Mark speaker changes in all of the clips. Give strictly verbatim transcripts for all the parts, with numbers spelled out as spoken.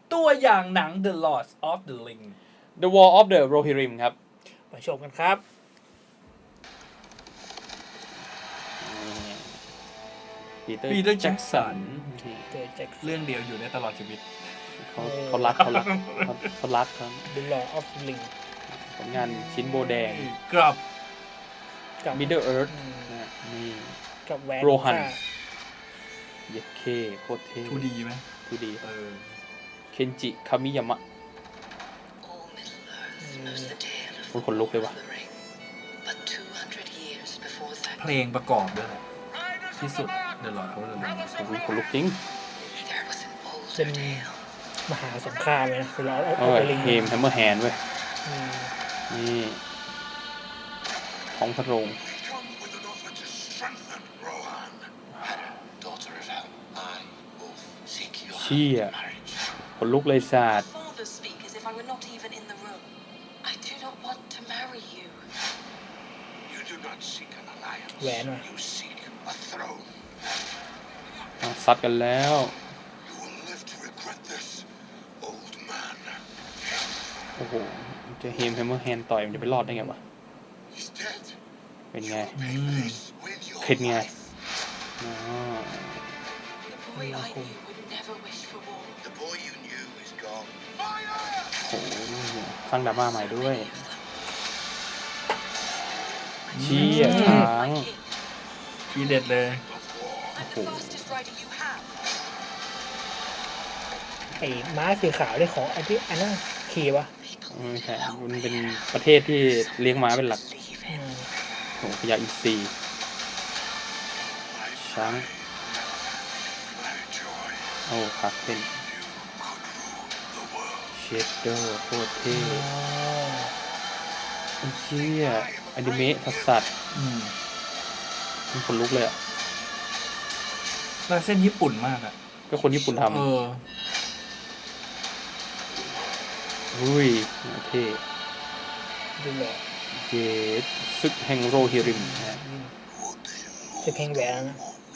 Speaker 1: ตัวอย่างหนัง The Lord of the Ring
Speaker 2: The War of the Rohirrim ครับ
Speaker 3: มาชมกันครับ
Speaker 2: ปีเตอร์
Speaker 1: Peter
Speaker 2: แจ็คสัน
Speaker 3: เจอแจ็ค
Speaker 1: เรื่องเดียวอยู่ได้ตลอดชีวิต
Speaker 2: เขาเขารักเขารักเขาเขารักครับ
Speaker 3: The Lord of the Ring
Speaker 2: ผลงานชิ้นโบแดง
Speaker 1: กรอบ
Speaker 3: กับ
Speaker 2: Middle Earth
Speaker 3: อืม
Speaker 2: นะนี่
Speaker 3: กับแหวน
Speaker 2: โรฮัน
Speaker 3: ค่า
Speaker 2: เย็ดเคโคตรเท่
Speaker 1: ทูดีไหม
Speaker 2: ทูดี
Speaker 1: เออ
Speaker 2: เคนจิคามิยามะคนขนลุกเลยว่ะ
Speaker 1: เพลงประกอบด้วยแหละที่สุด The Lord of the Ring
Speaker 2: โอ้ยขนลุกจริง
Speaker 3: เป็นมหาสงครามเลยนะ The Lord of
Speaker 2: เออ
Speaker 3: the Ring
Speaker 2: เฮมแฮมเมอร์แฮนด์เว้ย
Speaker 3: อืม
Speaker 2: นี่ท้องพระโรงเชี่ยขนลุกเลยศาสตร์
Speaker 3: แหวนว่ะ
Speaker 2: ซัดกันแล้วโอ้โหจะเฮมแฮมเมอร์แฮนด์ต่อยมันจะไปรอดได้ไงวะเป็นไง
Speaker 1: อืม
Speaker 2: เข็ดไงอ๋อ
Speaker 3: มีอาคม
Speaker 2: โอ้โหสร้างดราม่าใหม่ด้วยเชี่ยช้าง
Speaker 1: ทีเด็ดเลย
Speaker 2: โอ้โห
Speaker 3: ไอ้ม้าสีขาวได้ของไอ้ที่อันนั้นขี่ปะ
Speaker 2: ไม่ใช่มันเป็นประเทศที่เลี้ยงม้าเป็นหลัก
Speaker 3: อืม
Speaker 2: โอ้โหพญาอินทรีช้างโอ้ครับเป็นเชดเดอร์โคตรเท่
Speaker 3: อ๋อ
Speaker 2: ไอ้เชี่ยอนิเมะสัสสัส
Speaker 1: อืม
Speaker 2: มันขนลุกเลยอ่ะ
Speaker 1: ลายเส้นญี่ปุ่นมากอ่ะ
Speaker 2: ก็คนญี่ปุ่นท
Speaker 1: เออ
Speaker 2: ำอุ้ยเท่
Speaker 3: ดูแหวน
Speaker 2: เจดซึกแห่งโรฮิริมนะฮะ
Speaker 3: จะแข่งแหวนแล้วนะ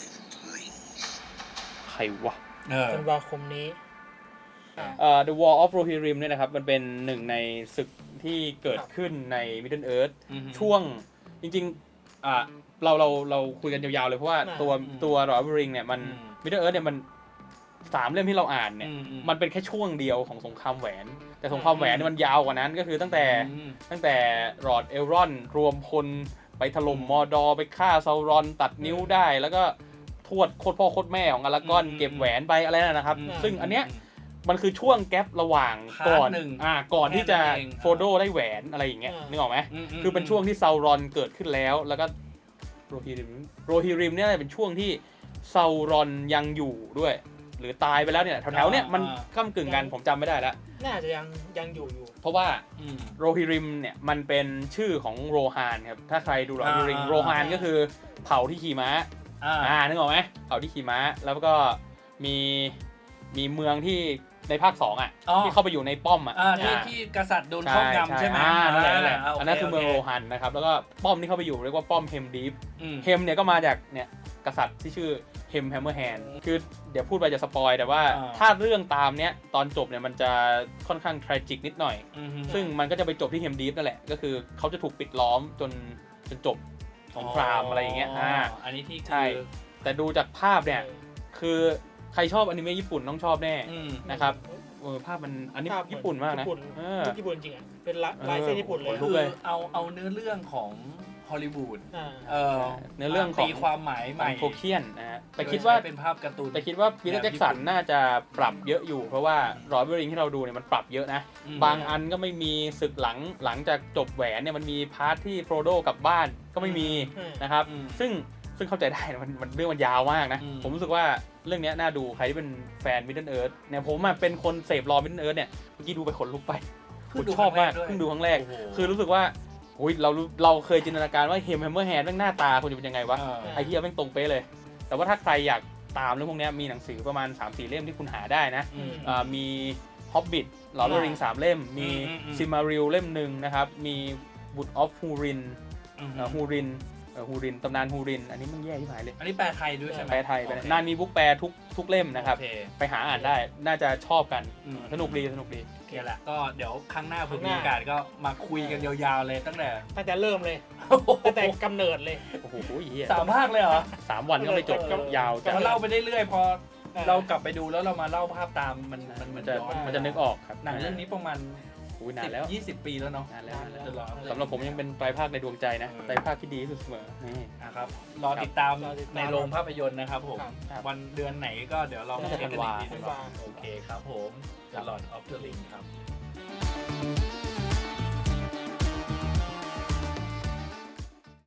Speaker 2: ใครวะ
Speaker 1: เออ
Speaker 3: ธันวาคมนี้
Speaker 2: เอ่อ The War of Rohirrim เนี่ยนะครับมันเป็นหนึ่งในศึกที่เกิดขึ้นใน Middle Earth
Speaker 1: อือฮึ
Speaker 2: ช่วงจริงๆอ่าเราเราเราคุยกันยาวๆเลยเพราะว่าตัว
Speaker 1: อืม
Speaker 2: ตัว Lord of the Ring เนี่ยมัน
Speaker 1: อืม
Speaker 2: Middle Earth เนี่ยมันสามเล่มที่เราอ่านเนี่ย
Speaker 1: อืมอืม
Speaker 2: มันเป็นแค่ช่วงเดียวของสงครามแหวน แต่สงครามแหวนเนี่ยมันยาวกว่านั้นก็คือตั้งแต่
Speaker 1: อืม
Speaker 2: ตั้งแต่รอดเอลรอนรวมพลไปถล่มมอร์ดอร์ไปฆ่าซาวรอนตัดนิ้วได้ แล้วก็ทวดโคตรพ่อโคตรแม่ของอารากอน
Speaker 1: อืม
Speaker 2: เก็บแหวนไปอะไรนั่นนะครับ
Speaker 1: อืม
Speaker 2: ซึ่งอันเนี้ยมันคือช่วงแกประหว่าง
Speaker 1: พาร์ท
Speaker 2: ก่อน
Speaker 1: หนึ่ง
Speaker 2: อ่าก่อนที่จะ
Speaker 1: แค่นั้นเอง
Speaker 2: โฟโดได้แหวนอะไรอย่างเงี้ย
Speaker 3: อ่านึ
Speaker 2: นึกออกไหม
Speaker 1: อืมม
Speaker 2: คือเป็นช่วงที่ซาวรอนเกิดขึ้นแล้วแล้วก็โรฮิริมโรฮิริมเนี่ยเป็นช่วงที่ซาวรอนยังอยู่ด้วย หรือตายไปแล้วเนี่ยแถวๆเนี่ยมันก้ากึ่งกันผมจำไม่ได้แล้ว
Speaker 3: น่าจะยังยังอยู่อยู่
Speaker 2: เพราะว่า
Speaker 1: อืม
Speaker 2: โรฮิริมเนี่ยมันเป็นชื่อของโรฮานครับถ้าใครดูโรฮิริม
Speaker 1: อ่า
Speaker 2: โรฮานก็คือเผ่าที่ขี่ม้า
Speaker 1: อ่า
Speaker 2: อ่านึกออกไหมเผ่าที่ขี่ม้าแล้วก็มีมีเมืองที่ในภาคสองอ่ะ
Speaker 1: อ๋อ
Speaker 2: ที่เข้าไปอยู่ในป้อมอ่ะ
Speaker 1: อ่าที่
Speaker 2: อ่า
Speaker 1: ที่กษัตริย์โดนครอบงำใช่ไหม
Speaker 2: อ่านั่นแหละนั่นแหละ
Speaker 1: าโ
Speaker 2: อันนั้นคือเมือง
Speaker 1: โ
Speaker 2: โรฮันนะครับแล้วก็ป้อมที่เข้าไปอยู่เรียกว่าป้อมเฮมดีฟ
Speaker 1: อืม
Speaker 2: เฮมเนี่ยก็มาจากเนี่ยกษัตริย์ที่ชื่อเฮมแฮมเมอร์แฮนด์คือเดี๋ยวพูดไปจะสปอยแต่ว่า
Speaker 1: อ่า
Speaker 2: ถ้าเรื่องตามเนี้ยตอนจบเนี่ยมันจะค่อนข้างทรจิกนิดหน่อย
Speaker 1: อืม
Speaker 2: ซึ่งมันก็จะไปจบที่เฮมดีฟนั่นแหละก็คือเขาจะถูกปิดล้อมจนจนจบสงครามอะไรอย่างเงี้ยอ่า
Speaker 1: อันนี้ที่
Speaker 2: ใช่ แต่ดูจากภาพเนี่ยคือใครชอบอนิเมะญี่ปุ่นต้องชอบแน่
Speaker 1: อืม
Speaker 2: นะครับเออภาพมันอันนี้
Speaker 3: ภาพเหมือน
Speaker 2: ญี่ปุ่นมากนะ
Speaker 3: ญี่ปุ่น
Speaker 2: เออ
Speaker 3: ญี่ปุ่นจริงอ่ะ เป็นลายลายเส้นญี่ปุ่นเลย
Speaker 2: ขนลุ
Speaker 1: คื
Speaker 2: ก
Speaker 1: อ
Speaker 2: เลย
Speaker 1: เอาเอาเนื้อเรื่องของฮอลลีวูด
Speaker 3: อ่า
Speaker 1: เออ
Speaker 2: เนื้อเรื่องของ
Speaker 1: ตีความหมายใหม่
Speaker 2: โทเคียนนะฮะแต่คิดว่า
Speaker 1: โยใช้เป็นภาพการ์ตูน
Speaker 2: แต่คิดว่าพีเตอร์แจ็คสันน่าจะปรับเยอะอยู่ เพราะว่าโรบิริงที่เราดูเนี่ยมันปรับเยอะนะ
Speaker 1: อืม
Speaker 2: บางอันก็ไม่มีศึกหลังหลังจากจบแหวนเนี่ยมันมีพาร์ทที่โฟรโดกลับบ้านก็ไม่มี
Speaker 3: อืม
Speaker 2: นะครับ
Speaker 1: อืม
Speaker 2: ซึ่งซึ่งเข้าใจได้นะมันมันเรื่องมันยาวมากนะ
Speaker 1: อืม
Speaker 2: ผมรู้สึกว่าเรื่องเนี้ยน่าดูใครที่เป็นแฟน Middle Earth เนี่ยผมอะเป็นคนเสพรอ Middle Earth เนี่ยเมื่อกี้ดูไปขนลุกไปผมชอบมากเพิ่งดูครั้งแรก
Speaker 1: โโห
Speaker 2: คือรู้สึกว่าอุ้ยเราเราเคยจินตนาการว่าเฮมแฮมเมอร์แฮนด์แม่งหน้าตาควรจะเป็นยังไงวะ
Speaker 1: เออ
Speaker 2: ไอ้เหี้ยแม่งตรงเป๊ะเลย แต่ว่าถ้าใครอยากตามเรื่องพวกเนี้ยมีหนังสือประมาณ สามสี่ เล่มที่คุณหาได้นะ
Speaker 1: อืม
Speaker 2: อ่ามี Hobbit ลอร์ดริงสามเล่ม มี
Speaker 1: อืมอืม
Speaker 2: ซิมาริลเล่มหนึ่งนะครับ มี Wood of Hurin
Speaker 1: อืม
Speaker 2: ฮูรินฮูรินตำนานฮูริน อันนี้มันแย่ที่หายเลย
Speaker 1: อันนี้แปลไทยด้วยใช่ไหม
Speaker 2: แปลไทยไป
Speaker 1: โอเค
Speaker 2: นานมีบุ๊กแปลทุกทุกเล่มนะครับ
Speaker 1: โอเค
Speaker 2: ไปหาอ่านได้น่าจะชอบกัน
Speaker 1: อืม
Speaker 2: สนุกดีสนุกดี
Speaker 1: โอเคแหละก็เดี๋ยวครั้งหน้าผม
Speaker 3: ครั้งห
Speaker 1: มี
Speaker 3: น้า
Speaker 1: โอกาสก็มาคุยกันยาวๆเลยตั้งแต่
Speaker 3: ตั้งแต่เริ่มเลยตั้งแต่กำเนิดเลย
Speaker 2: โอ้โหเหี้ย
Speaker 1: สามภาคเลยเหรอ
Speaker 2: สามวันก็ไม่จบก็ยาว
Speaker 1: แต่
Speaker 2: จัง
Speaker 1: ว่าเล่าไปเรื่อยๆพอ
Speaker 3: เออ
Speaker 1: เรากลับไปดูแล้วเรามาเล่าภาพตามมันมัน
Speaker 2: มัน
Speaker 1: น
Speaker 2: จะ
Speaker 1: ย้อน
Speaker 2: มันจะนึกออกครับ
Speaker 1: หนังเรื่องนี้ประมาณ
Speaker 2: อุ้ยนานแล้ว
Speaker 1: ยี่สิบปีแล้วเนาะ
Speaker 2: นานแล้วนานแล้ว
Speaker 1: เดี๋ยวรอ
Speaker 2: สำหรับผมยังเป็นไตรภาคในดวงใจนะ
Speaker 1: เออ
Speaker 2: ไตรภาคที่ดีที่สุดเสมอนี่
Speaker 1: อ่ะครับรอติดตาม
Speaker 3: รอติดตาม
Speaker 1: ในโรงภาพยนตร์นะครับผม
Speaker 3: ครับ
Speaker 1: วันเดือนไหนก็เดี๋ยวเรามา
Speaker 2: น่าจะ
Speaker 1: เช็คกันอีกที
Speaker 2: ธั
Speaker 1: นึ
Speaker 2: น
Speaker 1: ง
Speaker 2: วา
Speaker 1: โอเคครับผม The Lord of the Ring ครับ